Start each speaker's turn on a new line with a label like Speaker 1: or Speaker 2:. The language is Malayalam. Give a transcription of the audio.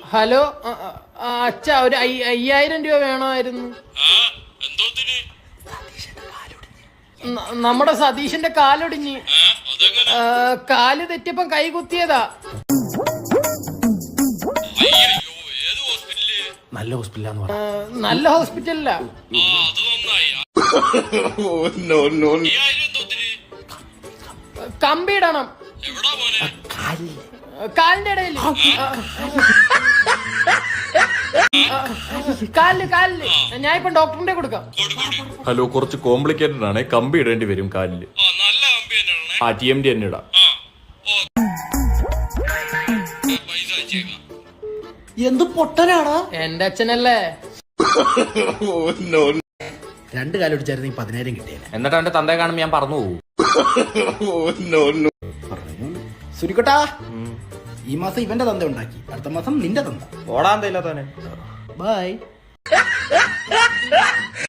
Speaker 1: ഹലോ അച്ഛ ഒരു 5000 രൂപ വേണമായിരുന്നു. നമ്മുടെ സതീഷിന്റെ കാലൊടിഞ്ഞ്. കാല് തെറ്റിയപ്പം കൈ കുത്തിയതാ.
Speaker 2: നല്ല ഹോസ്പിറ്റലാന്ന് പറഞ്ഞു.
Speaker 1: നല്ല ഹോസ്പിറ്റലിലാ. കമ്പിയിടണം കാലിന്റെ ഇടയിൽ. കാലില് ഞാൻ ഇപ്പം ഡോക്ടറിന്റെ കൊടുക്കാം.
Speaker 3: ഹലോ, കുറച്ച് കോംപ്ലിക്കേറ്റഡ് ആണ്. കമ്പി ഇടേണ്ടി വരും കാലില്. TMD തന്നെ ഇടാം.
Speaker 2: എന്ത് പൊട്ടനാടാ
Speaker 1: എന്റെ അച്ഛനല്ലേ.
Speaker 2: 2 കാലൊടിച്ചായിരുന്നു 10,000 കിട്ടിയത്.
Speaker 3: എന്നിട്ട് അവന്റെ തന്തയെ കാണുമ്പോ ഞാൻ പറഞ്ഞു പോകും.
Speaker 2: സുരിക്കട്ടാ, ഈ മാസം ഇവന്റെ തന്ത ഉണ്ടാക്കി, അടുത്ത മാസം നിന്റെ തന്ത.
Speaker 3: ഓടാൻ തയ്യില്ലാത്തവനെ.
Speaker 2: ബൈ.